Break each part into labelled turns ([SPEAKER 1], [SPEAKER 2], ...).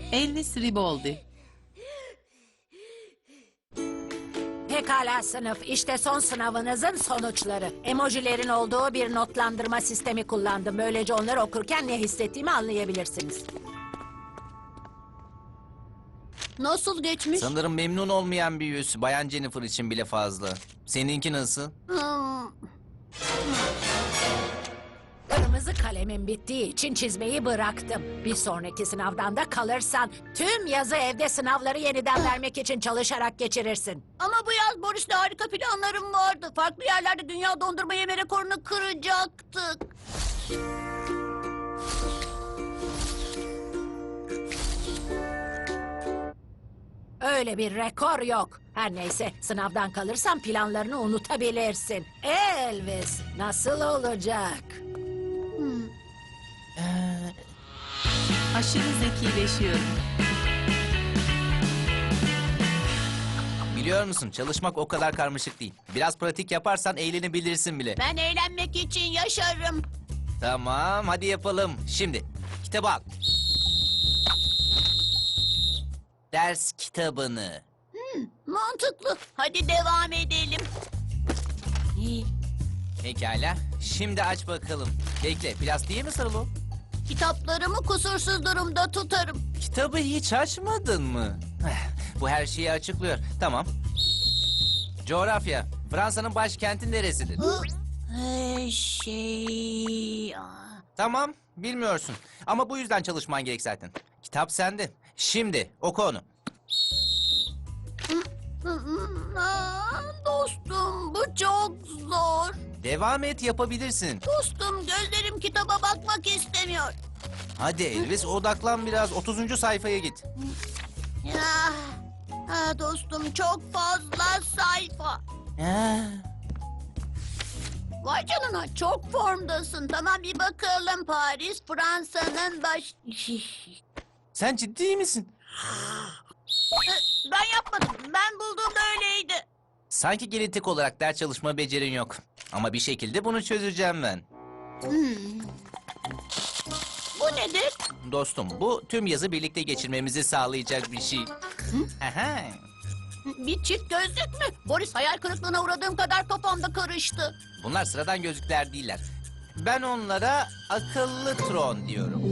[SPEAKER 1] Elvis Riboldi.
[SPEAKER 2] Pekala sınıf, işte son sınavınızın sonuçları. Emojilerin olduğu bir notlandırma sistemi kullandım. Böylece onları okurken ne hissettiğimi anlayabilirsiniz. Nasıl geçmiş?
[SPEAKER 3] Sanırım memnun olmayan bir yüz. Bayan Jennifer için bile fazla. Seninki nasıl?
[SPEAKER 2] Kırmızı kalemim bittiği için çizmeyi bıraktım. Bir sonraki sınavdan da kalırsan tüm yazı evde sınavları yeniden vermek için çalışarak geçirirsin. Ama bu yaz Boris'le harika planlarım vardı. Farklı yerlerde dünya dondurma yeme rekorunu kıracaktık. Öyle bir rekor yok. Her neyse sınavdan kalırsan planlarını unutabilirsin. Elvis nasıl olacak?
[SPEAKER 1] Aşırı zekileşiyorum.
[SPEAKER 3] Biliyor musun, çalışmak o kadar karmaşık değil. Biraz pratik yaparsan eğlenebilirsin bile.
[SPEAKER 2] Ben eğlenmek için yaşarım.
[SPEAKER 3] Tamam, hadi yapalım. Şimdi kitabı al. Ders kitabını.
[SPEAKER 2] Mantıklı. Hadi devam edelim.
[SPEAKER 3] Pekala. Şimdi aç bakalım. Bekle, plastiğe mi sarılı o?
[SPEAKER 2] Kitaplarımı kusursuz durumda tutarım.
[SPEAKER 3] Kitabı hiç açmadın mı? Bu her şeyi açıklıyor. Tamam. Coğrafya. Fransa'nın başkenti neresidir? Tamam, bilmiyorsun. Ama bu yüzden çalışman gerek zaten. Kitap sende. Şimdi oku onu.
[SPEAKER 2] Dostum bu çok zor.
[SPEAKER 3] Devam et, yapabilirsin.
[SPEAKER 2] Dostum gözlerim kitaba bakmak istemiyor.
[SPEAKER 3] Hadi Elvis, odaklan biraz. 30. sayfaya git.
[SPEAKER 2] Dostum çok fazla sayfa. Vay canına çok formdasın. Tamam bir bakalım Paris Fransa'nın baş...
[SPEAKER 3] Sen ciddi misin?
[SPEAKER 2] Ben yapmadım. Ben bulduğumda öyleydi.
[SPEAKER 3] Sanki genetik olarak ders çalışma becerin yok. Ama bir şekilde bunu çözeceğim ben.
[SPEAKER 2] Bu nedir?
[SPEAKER 3] Dostum, bu tüm yazı birlikte geçirmemizi sağlayacak bir şey. Aha.
[SPEAKER 2] Bir çift gözlük mü? Boris hayal kırıklığına uğradığım kadar kafamda karıştı.
[SPEAKER 3] Bunlar sıradan gözlükler değiller. Ben onlara akıllı tron diyorum.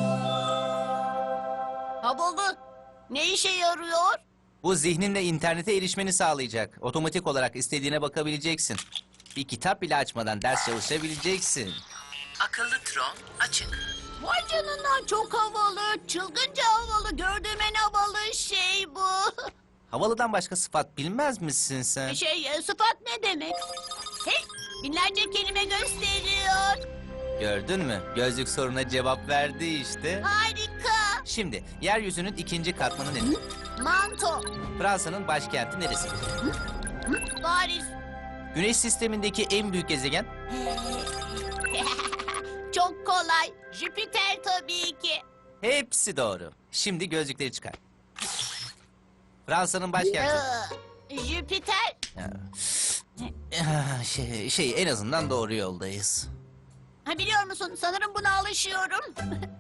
[SPEAKER 2] Havalı. Ne işe yarıyor?
[SPEAKER 3] Bu zihninle internete erişmeni sağlayacak. Otomatik olarak istediğine bakabileceksin. Bir kitap bile açmadan ders çalışabileceksin.
[SPEAKER 1] Akıllı tron açık.
[SPEAKER 2] Vay canına çok havalı. Çılgınca havalı. Gördüğüm en havalı şey bu.
[SPEAKER 3] Havalıdan başka sıfat bilmez misin sen?
[SPEAKER 2] Sıfat ne demek? Hey, binlerce kelime gösteriyor.
[SPEAKER 3] Gördün mü? Gözlük soruna cevap verdi işte.
[SPEAKER 2] Harika.
[SPEAKER 3] Şimdi yeryüzünün ikinci katmanı nedir?
[SPEAKER 2] Manto.
[SPEAKER 3] Fransa'nın başkenti neresi?
[SPEAKER 2] Paris.
[SPEAKER 3] Güneş sistemindeki en büyük gezegen?
[SPEAKER 2] Çok kolay. Jüpiter tabii ki.
[SPEAKER 3] Hepsi doğru. Şimdi gözlükleri çıkar. Fransa'nın başkenti.
[SPEAKER 2] Jüpiter.
[SPEAKER 3] En azından doğru yoldayız.
[SPEAKER 2] Biliyor musun sanırım buna alışıyorum.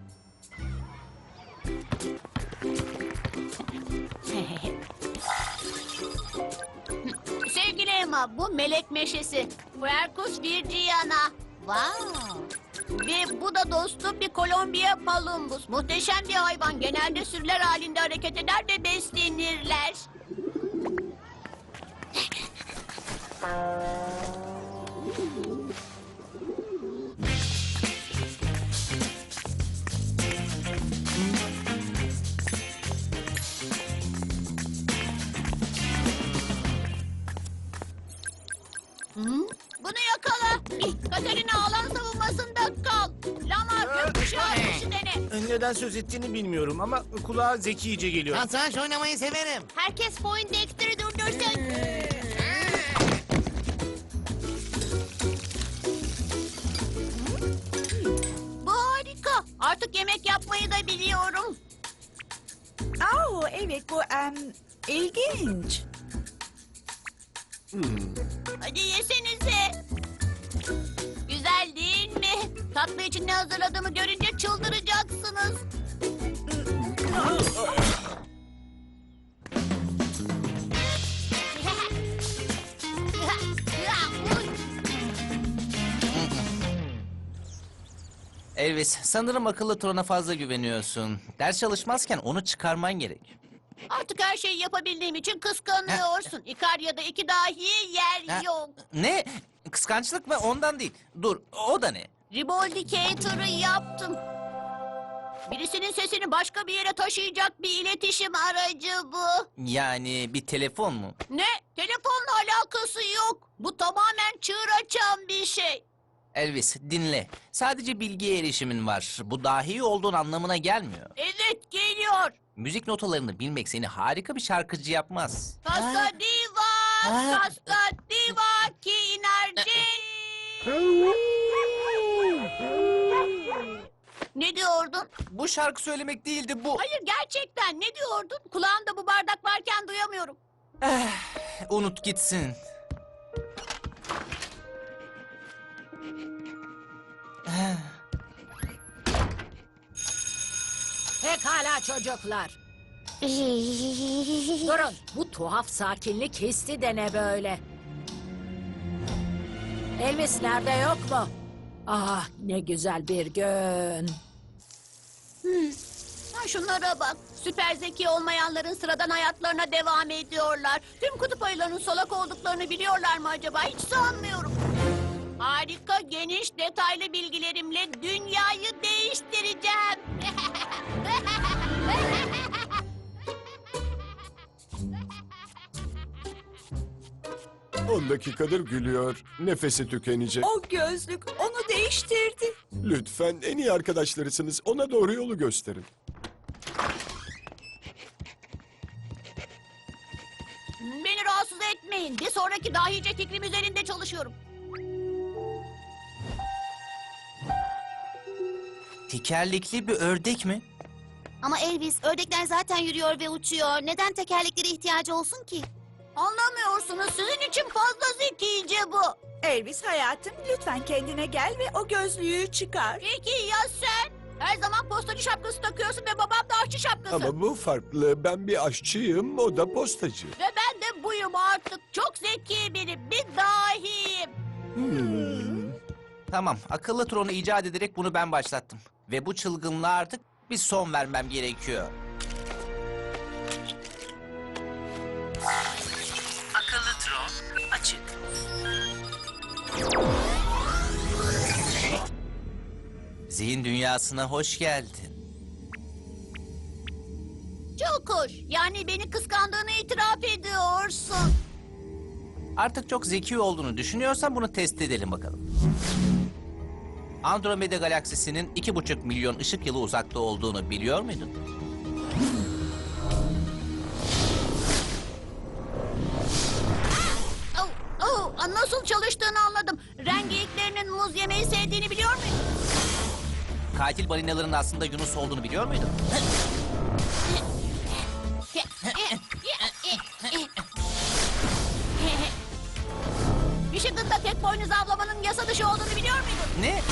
[SPEAKER 2] Sevgili Emma bu melek meşesi. Quercus virginiana. Wow. Ve bu da dostum bir Kolombiya palumbus. Muhteşem bir hayvan. Genelde sürüler halinde hareket eder ve beslenirler. Bunu yakala. Katerina alan savunmasında kal. Lamar gökkuşağı ateşi dene.
[SPEAKER 4] Neden söz ettiğini bilmiyorum ama kulağa zekice geliyor.
[SPEAKER 5] Satranç oynamayı severim.
[SPEAKER 2] Herkes Poindexter'ı durdursun. Bu harika. Artık yemek yapmayı da biliyorum.
[SPEAKER 6] Evet bu ilginç.
[SPEAKER 2] Hadi yesenize. Güzel değil mi? Tatlı için ne hazırladığımı görünce çıldıracaksınız.
[SPEAKER 3] Elvis, sanırım akıllı Tron'a fazla güveniyorsun. Ders çalışmazken onu çıkarman gerek.
[SPEAKER 2] Artık her şeyi yapabildiğim için kıskanıyorsun. İkarya'da iki dahi yer
[SPEAKER 3] Ha,
[SPEAKER 2] yok.
[SPEAKER 3] Ne? Kıskançlık mı? Ondan değil. Dur, o da ne?
[SPEAKER 2] Reboldicator'ı yaptım. Birisinin sesini başka bir yere taşıyacak bir iletişim aracı bu.
[SPEAKER 3] Yani bir telefon mu?
[SPEAKER 2] Ne? Telefonla alakası yok. Bu tamamen çığır açan bir şey.
[SPEAKER 3] Elvis, dinle. Sadece bilgiye erişimin var. Bu dahi olduğun anlamına gelmiyor.
[SPEAKER 2] Evet, geliyor.
[SPEAKER 3] Müzik notalarını bilmek seni harika bir şarkıcı yapmaz.
[SPEAKER 2] Kasta diva, kasta diva ki inerci. Ne diyordun?
[SPEAKER 3] Bu şarkı söylemek değildi bu.
[SPEAKER 2] Hayır, gerçekten ne diyordun? Kulağımda bu bardak varken duyamıyorum.
[SPEAKER 3] Unut gitsin.
[SPEAKER 2] Pekala çocuklar. Durun, bu tuhaf sakinlik hissi de ne böyle? Elvis nerede, yok mu? Ah, ne güzel bir gün. Ha, şunlara bak. Süper zeki olmayanların sıradan hayatlarına devam ediyorlar. Tüm kutup ayılarının solak olduklarını biliyorlar mı acaba? Hiç sanmıyorum. Harika, geniş, detaylı bilgilerimle dünyayı değiştireceğim.
[SPEAKER 5] 10 dakikadır gülüyor. Nefesi tükenecek.
[SPEAKER 6] O gözlük onu değiştirdi.
[SPEAKER 5] Lütfen en iyi arkadaşlarısınız. Ona doğru yolu gösterin.
[SPEAKER 2] Beni rahatsız etmeyin. Bir sonraki dahice fikrim üzerinde çalışıyorum.
[SPEAKER 3] Tekerlekli bir ördek mi?
[SPEAKER 7] Ama Elvis, ördekler zaten yürüyor ve uçuyor. Neden tekerleklere ihtiyacı olsun ki?
[SPEAKER 2] Anlamıyorsunuz. Sizin için fazla zekice bu.
[SPEAKER 6] Elvis hayatım lütfen kendine gel ve o gözlüğü çıkar.
[SPEAKER 2] Peki ya sen? Her zaman postacı şapkası takıyorsun ve babam da aşçı şapkası.
[SPEAKER 5] Ama bu farklı. Ben bir aşçıyım, o da postacı.
[SPEAKER 2] Ve ben de buyum artık. Çok zeki biri. Bir dahiyim.
[SPEAKER 3] Tamam, akıllı Tron'u icat ederek bunu ben başlattım. Ve bu çılgınlığa artık bir son vermem gerekiyor.
[SPEAKER 1] Akıllı Tron açık.
[SPEAKER 3] Zihin dünyasına hoş geldin.
[SPEAKER 2] Çok hoş. Yani beni kıskandığını itiraf ediyorsun.
[SPEAKER 3] Artık çok zeki olduğunu düşünüyorsan bunu test edelim bakalım. Andromeda galaksisinin 2,5 milyon ışık yılı uzakta olduğunu biliyor muydun?
[SPEAKER 2] Nasıl çalıştığını anladım. Rengeyiklerinin muz yemeyi sevdiğini biliyor muydun?
[SPEAKER 3] Katil balinaların aslında Yunus olduğunu biliyor muydun?
[SPEAKER 2] Michigan'da tek boynuz avlamanın yasa dışı olduğunu biliyor muydun?
[SPEAKER 3] Ne?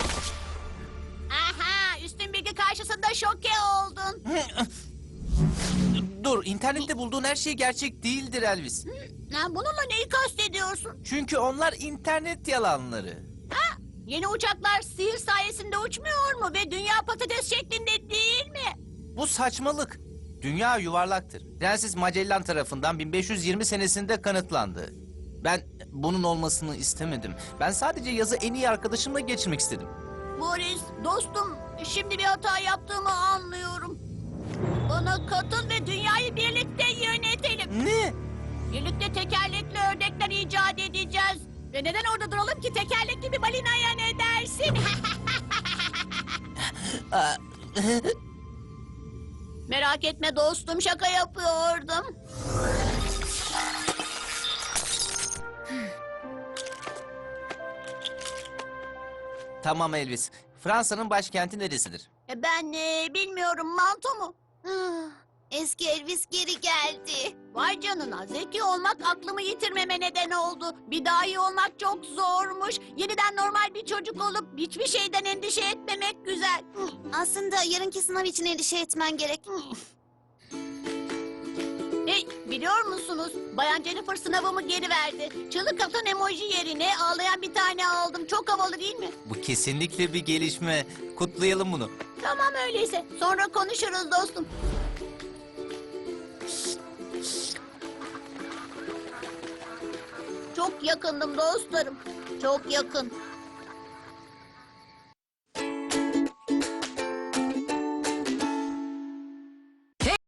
[SPEAKER 2] Aha, üstün bilgi karşısında şoke oldun.
[SPEAKER 3] Dur, internette bulduğun her şey gerçek değildir Elvis.
[SPEAKER 2] Bununla neyi kastediyorsun?
[SPEAKER 3] Çünkü onlar internet yalanları.
[SPEAKER 2] Yeni uçaklar sihir sayesinde uçmuyor mu ve dünya patates şeklinde değil mi?
[SPEAKER 3] Bu saçmalık. Dünya yuvarlaktır. Prenses Magellan tarafından 1520 senesinde kanıtlandı. Ben bunun olmasını istemedim. Ben sadece yazı en iyi arkadaşımla geçirmek istedim.
[SPEAKER 2] Boris, dostum, şimdi bir hata yaptığımı anlıyorum. Bana katıl ve dünyayı birlikte yönetelim.
[SPEAKER 3] Ne?
[SPEAKER 2] Birlikte tekerlekli ördekler icat edeceğiz. Ve neden orada duralım ki, tekerlekli bir balinaya ne dersin? Merak etme dostum, şaka yapıyordum.
[SPEAKER 3] Tamam Elvis. Fransa'nın başkenti neresidir?
[SPEAKER 2] Ben bilmiyorum, Manto mu?
[SPEAKER 7] Ah, Eski Elvis geri geldi.
[SPEAKER 2] Vay canına, zeki olmak aklımı yitirmeme neden oldu. Bir daha iyi olmak çok zormuş. Yeniden normal bir çocuk olup hiçbir şeyden endişe etmemek güzel.
[SPEAKER 7] Aslında yarınki sınav için endişe etmen gerek.
[SPEAKER 2] Hey, biliyor musunuz? Bayan Jennifer sınavımı geri verdi. Çığlık atan emoji yerine ağlayan bir tane aldım. Çok havalı değil mi?
[SPEAKER 3] Bu kesinlikle bir gelişme. Kutlayalım bunu.
[SPEAKER 2] Tamam öyleyse. Sonra konuşuruz dostum. Çok yakındım dostlarım. Çok yakın.